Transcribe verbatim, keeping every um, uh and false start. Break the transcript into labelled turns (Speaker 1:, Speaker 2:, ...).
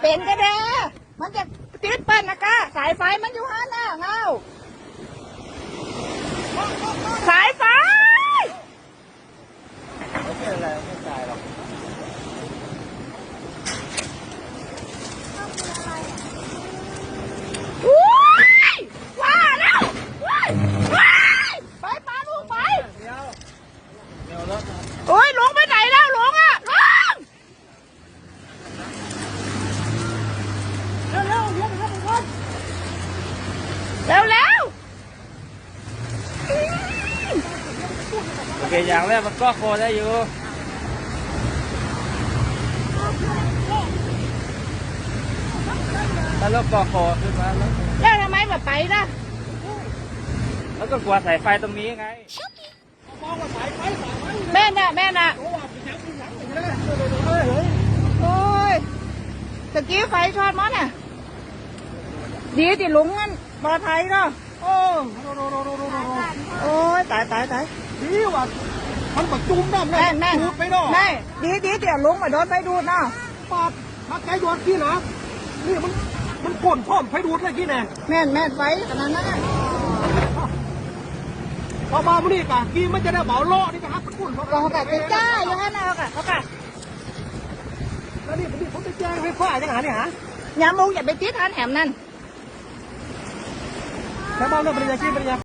Speaker 1: เป็นก็ได้มันจะติดปั้นนะกะสายไฟมันอยู่หันน่ะเงาสายไฟ
Speaker 2: ไม่เป็นอะไรไม่ตายหรอก
Speaker 1: ว้าแล้วว้ายไปปาลูกไป
Speaker 2: เดี๋ยวเดี๋ยวรถ
Speaker 1: โอ้ยลงไปไหนแล้วลงอ่ะลงเร็วเร็วเร็วเร็วเร็วเร็ว
Speaker 2: โอเคอย่างแรกมันก็โคได้อยู่ถ้ารถก็โคขึ้นมาแล้ว
Speaker 1: แล้วทำไมแบบไปล่ะ
Speaker 2: แล้วก็กลัวสายไฟตรงนี้ไง
Speaker 1: แม่น่ะแม่น่ะโอ้ยตะกี้ไฟช็อตมั้งน่ะดีติลุงงั้นปลอดภัยเนาะโอ้โอ้ยตายตายตาย
Speaker 3: ดีว่ะมันปักจุ่มน้ำเลย
Speaker 1: แม่แม่
Speaker 3: ดูดไปเนาะ
Speaker 1: แม่ดีดีเดี๋ยวลุงมาโดนไฟดูดเนาะ
Speaker 3: ปาดถ้าใจโดนขี้นะนี่มันมันก่นพร้อมไฟดูดเลยขี้แน่
Speaker 1: แม่นแม่นไฟขนาดนั้น
Speaker 3: พอมามื่อนี้กะขี้มันจะได้เบาล้อนี่กะฮักมันก่นเขา
Speaker 1: เรากะจะจ้าอยู่ฮะนะเขากะเขากะ
Speaker 3: แล้วนี่นี่ผมไปแจ้งไฟฟ้าจังหาเนี่ยฮะ
Speaker 1: อย่ามุงอย่าไปติดทันแหมนั่น
Speaker 3: แล้วบ้านเราเป็นยังไงขี้เป็นยัง